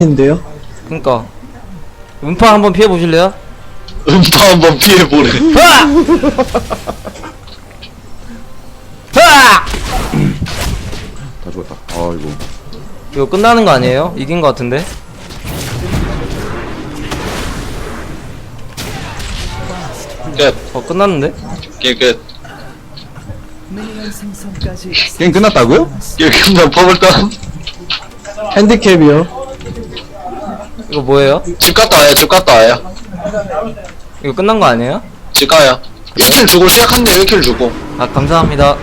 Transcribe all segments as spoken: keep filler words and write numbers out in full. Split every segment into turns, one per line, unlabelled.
인데요.
그니까 음파 한번 피해 보실래요?
음파 한번 피해보래.
으아! 으아!
다 죽었다. 아이고.
이거 끝나는 거 아니에요? 이긴 거 같은데?
끝.
어 끝났는데?
게임 끝.
게임 끝났다고요?
게임 끝난 퍼블다운.
핸디캡이요.
이거 뭐예요?
집 갔다 와요, 집 갔다 와요.
이거 끝난 거 아니에요?
집 가요. 일 킬 주고 시작한대, 일 킬 주고.
아 감사합니다.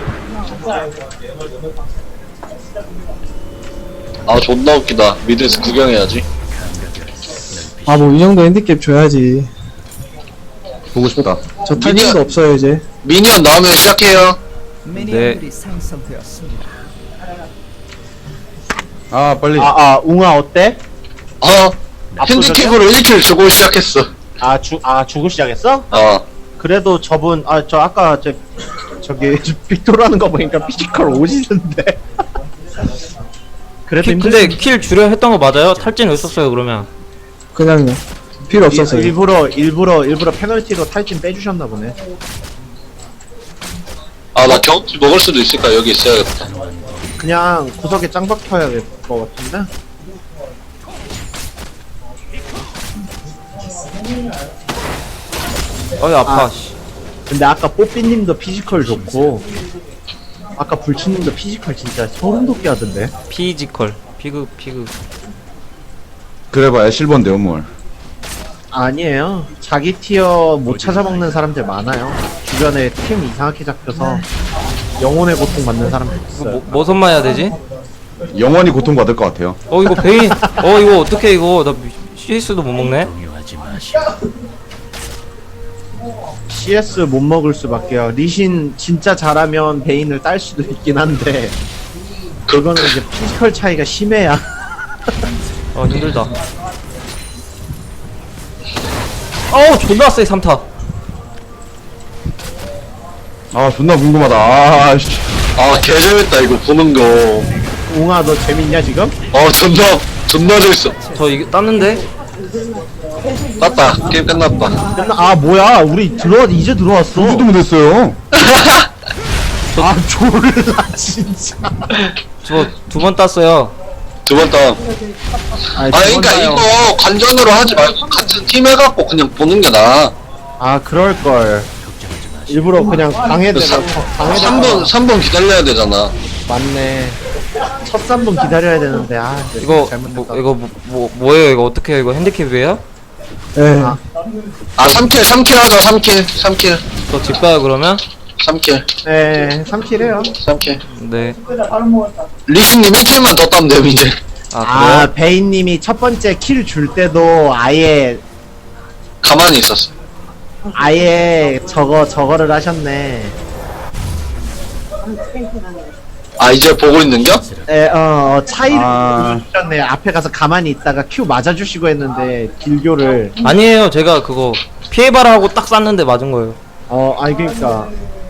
아, 존나 웃기다. 미드에서 구경해야지.
아 뭐 이 정도 핸디캡 줘야지.
보고 싶다.
저
미니언-
탈진도 없어요 이제.
미니언 나오면 시작해요.
네.
아 빨리.
아, 아, 웅아 어때?
어, 핸디캡으로 일 킬 주고 시작했어.
아, 주, 아, 주고 시작했어?
어.
그래도 저분, 아, 저 아까 저, 저기, 빅토라는 거 보니까 피지컬 오시는데. 그래도
키,
힘들
근데 킬 주려 했던 거 맞아요? 탈진 왜 썼어요 그러면?
그냥요. 필요 없었어요.
일부러, 일부러, 일부러 페널티로 탈진 빼주셨나 보네.
아, 나 경험치 먹을 수도 있을까? 여기 있어야겠다.
그냥 구석에 짱 박혀야 될 것 같은데?
어이 아파.
아.
씨.
근데 아까 뽀삐님도 피지컬 좋고, 아까 불치님도 피지컬 진짜 소름 돋게 하던데?
피지컬. 피그 피그.
그래봐야 실버인데요 뭘.
아니에요. 자기 티어 못 찾아먹는 사람들 많아요. 주변에 팀 이상하게 잡혀서 영혼의 고통 받는 사람들
이거
있어요.
뭐, 뭐 선마해야 되지?
영원히 고통받을 것 같아요.
어 이거 베인. 어 이거 어떻게 이거 나 씨에스도 못 먹네.
씨에스 못 먹을 수밖에요. 리신 진짜 잘하면 베인을 딸 수도 있긴 한데 그거는 이제 피지컬 차이가 심해야.
어 힘들다. 어우 존나 세 삼 타.
아 존나 궁금하다. 아 씨.
아, 개재밌다, 이거 보는 거.
웅아 너 재밌냐 지금?
어, 존나, 존나 재밌어.
저 이게 땄는데?
땄다. 게임 끝났다.
끝나- 아 뭐야 우리 들어와 이제 들어왔어.
누구도 못했어요.
아 졸라 진짜.
저 두 번 땄어요.
두 번 다운.
아니,
아, 그니까
저번에요.
이거 관전으로 하지 말고 같은 팀 해갖고 그냥 보는 게 나아.
아 그럴걸. 일부러 그냥 방해되고 방해되고
삼 분, 삼 분 기다려야 되잖아.
맞네. 첫 삼 분 기다려야 되는데 아
이거
잘못했다.
뭐 이거 뭐, 뭐 뭐예요 이거 어떻게 해요? 이거 핸디캡이에요?
예.
아.
아, 삼 킬, 삼 킬 하자, 삼 킬, 삼 킬,
저 집 가요 그러면?
삼 킬,
네 삼 킬 해요.
삼 킬.
네.
리신님 일 킬만 더 따면 돼요, 이제.
아
아,
그래요?
베인님이 첫 번째 킬 줄 때도 아예
가만히 있었어.
아예 저거 저거를 하셨네.
아, 이제 보고 있는겨?
에, 어, 어, 차이를
아.
보여주셨네. 앞에 가서 가만히 있다가 큐 맞아주시고 했는데 딜교를.
아니에요 제가 그거 피해봐라 하고 딱 쐈는데 맞은 거예요.
어, 아니 그러니까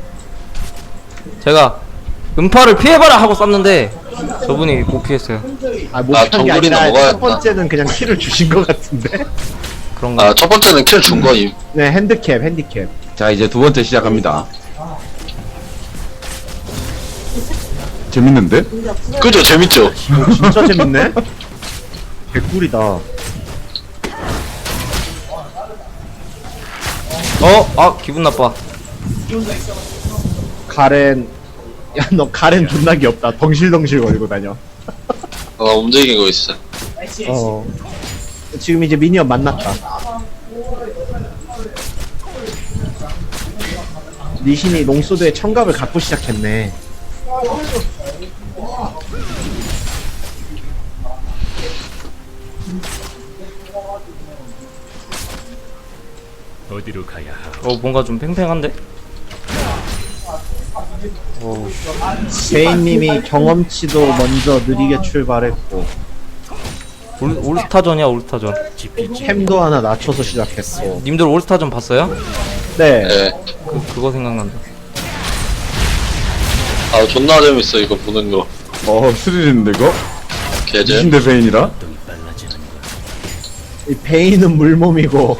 제가 음파를 피해봐라 하고 쐈는데 저분이 못 피했어요.
아,
아,
못한 게
정글이나
아니라
먹어야겠다.
첫 번째는 그냥 킬을 주신 것 같은데.
그런가?
아, 첫 번째는 킬 준 거임.
네, 핸드캡, 핸디캡.
자 이제 두 번째 시작합니다. 재밌는데?
그죠? 재밌죠?
오, 진짜 재밌네. 개꿀이다.
어? 아 기분 나빠.
가렌, 야 너 가렌 존나 귀엽다. 덩실덩실 거리고 다녀.
어, 움직이고 있어.
어. 지금 이제 미니언 만났다. 리신이 롱소드의 청갑을 갖고 시작했네.
어디로 가야 하오?
어 뭔가 좀 팽팽한데? 어
제인님이 경험치도 먼저 느리게 출발했고
올, 올스타전이야 올스타전.
템도 하나 낮춰서 시작했고.
님들 올스타전 봤어요?
네.
예.
그 그거 생각난다.
아, 존나 재밌어, 이거 보는 거.
어 스릴 있는데 이거?
개재.
미신 대페인이라?
빨라지는 것.
이 베인은 물몸이고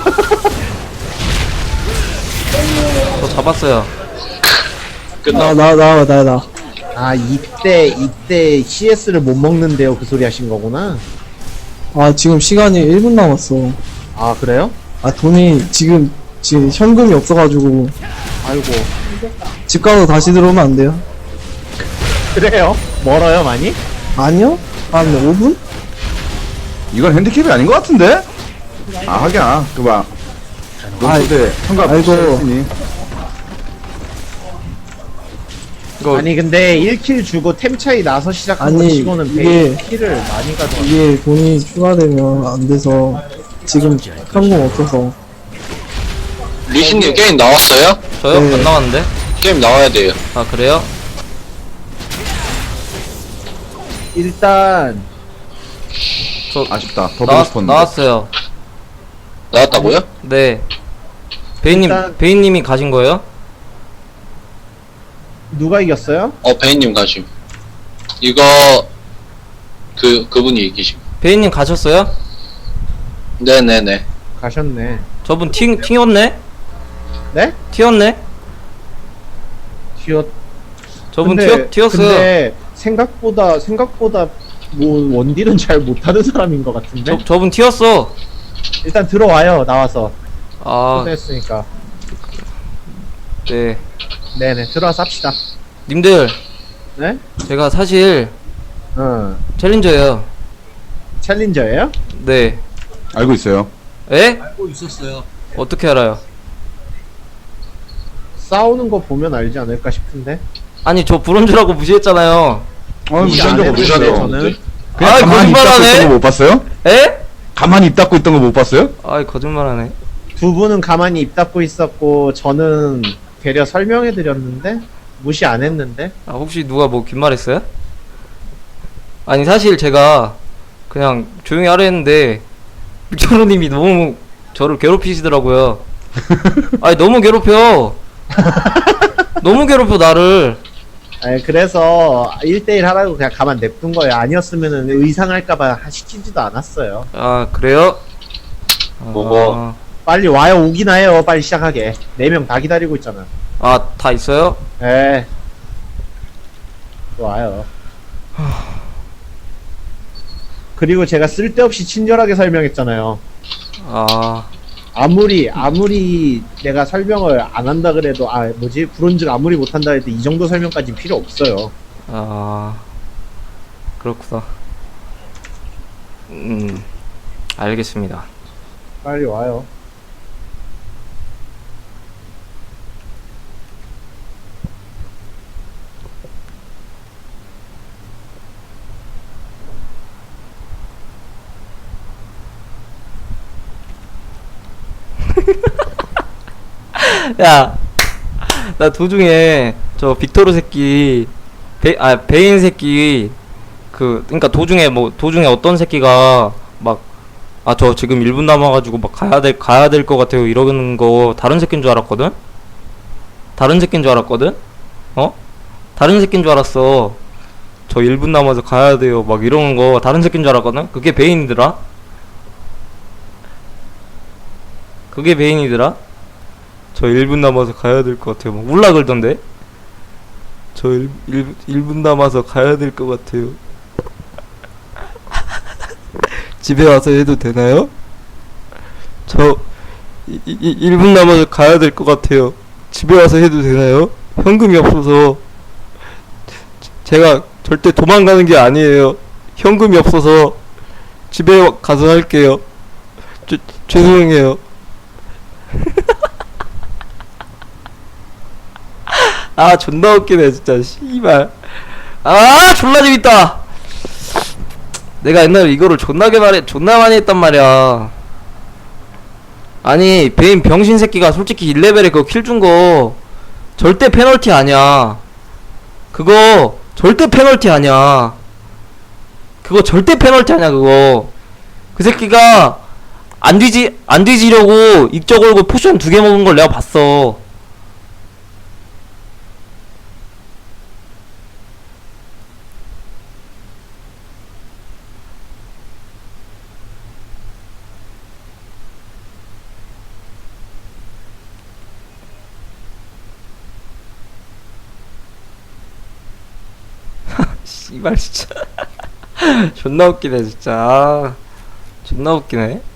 저 잡았어요.
끝나.
나, 나, 나, 나, 나.
아 이때 이때 씨에스를 못 먹는데요 그 소리 하신 거구나.
아, 지금 시간이 일 분 남았어.
아 그래요?
아, 돈이 지금, 지금 현금이 없어가지고,
아이고
집 가서 다시 들어오면 안 돼요?
그래요? 멀어요 많이?
아니요? 한 오 분?
이건 핸디캡이 아닌 것 같은데? 아, 하기야. 그봐.
아이,
롱소대 한가
아이고.
했으니.
이거
아니 근데 일 킬 주고 템 차이 나서 시작한
아니,
거 치고는
이게-
베인 킬을 많이 가져와.
이게 돈이 추가되면 안 돼서, 지금 현금 없어서.
리신님 게임 나왔어요?
저요?
네.
안 나왔는데?
게임 나와야 돼요.
아 그래요?
일단
저
아쉽다. 더 보고
나왔,
싶었는데.
나왔어요.
나왔다고요?
네. 베인님
일단-
베인님이 가신 거예요?
누가 이겼어요?
어, 베인님 가심. 이거, 그, 그분이 이기심.
베인님 가셨어요?
네네네.
가셨네.
저분 튀 튀었네?
네?
튀었네?
튀었.
저분
근데-
튀었 튀었어요.
근데 생각보다 생각보다 뭐 원딜은 잘 못하는 사람인 것 같은데.
저 저분 튀었어.
일단 들어와요 나와서.
아
초대했으니까.
네.
네네 들어와서 합시다.
님들
네?
제가 사실
어.
챌린저예요.
챌린저예요?
네.
알고 있어요.
에? 알고 있었어요. 어떻게 알아요?
싸우는 거 보면 알지 않을까 싶은데.
아니 저 브론즈라고 무시했잖아요.
어,
무시
무시한
안
적
해도
없어요.
돼요, 저는.
그냥
아이,
가만히 입 닫고
거짓말하네?
있던 거 못 봤어요?
에?
가만히 입 닫고 있던 거 못 봤어요?
아이 거짓말하네.
두 분은 가만히 입 닫고 있었고 저는 되려 설명해 드렸는데 무시 안 했는데.
아 혹시 누가 뭐 긴 말했어요? 아니 사실 제가 그냥 조용히 하려 했는데 빅토르님이 너무 저를 괴롭히시더라고요. 아니 너무 괴롭혀. 너무 괴롭혀 나를.
아니, 그래서 일 대일 하라고 그냥 가만 냅둔 거예요. 아니었으면은 의상할까봐 시키지도 않았어요.
아 그래요?
뭐고?
빨리 와요. 오긴 해요. 빨리 시작하게. 네 명 다 기다리고 있잖아.
아다 있어요?
에. 와요. 그리고 제가 쓸데없이 친절하게 설명했잖아요.
아
아무리 아무리 내가 설명을 안 한다 그래도 아 뭐지 브론즈가 아무리 못한다 해도 이 정도 설명까지 필요 없어요.
아 그렇구나. 음 알겠습니다.
빨리 와요.
야, 나 도중에 저 빅토르 새끼, 베, 아 베인 새끼 그 그러니까 도중에 뭐 도중에 어떤 새끼가 막 아 저 지금 일 분 남아가지고 막 가야 될 가야 될 것 같아요 이러는 거 다른 새끼인 줄 알았거든. 다른 새끼인 줄 알았거든. 어? 다른 새끼인 줄 알았어. 저 일 분 남아서 가야 돼요 막 이러는 거 다른 새끼인 줄 알았거든. 그게 베인이더라. 그게 베인이더라. 저 일 분 남아서 가야 될 것 같아요. 막 울라 그러던데. 저 일, 일 분 남아서 가야 될 것 같아요. 집에 와서 해도 되나요? 저 이, 이, 일 분 남아서 가야 될 것 같아요. 집에 와서 해도 되나요? 현금이 없어서. 제가 절대 도망가는 게 아니에요. 현금이 없어서 집에 가서 할게요. 죄, 죄송해요. 아 존나 웃기네 진짜 씨발. 아 졸라 재밌다. 내가 옛날에 이거를 존나게 말해 존나 많이 했단 말이야. 아니 베인 병신 새끼가 솔직히 일 레벨에 그거 킬 준 거 절대 페널티 아니야. 그거 절대 페널티 아니야. 그거 절대 페널티 아니야 그거. 그 새끼가 안 뒤지 안 뒤지려고 익적 걸고 포션 두 개 먹은 걸 내가 봤어. 씨발 진짜 존나 웃기네 진짜. 아, 존나 웃기네.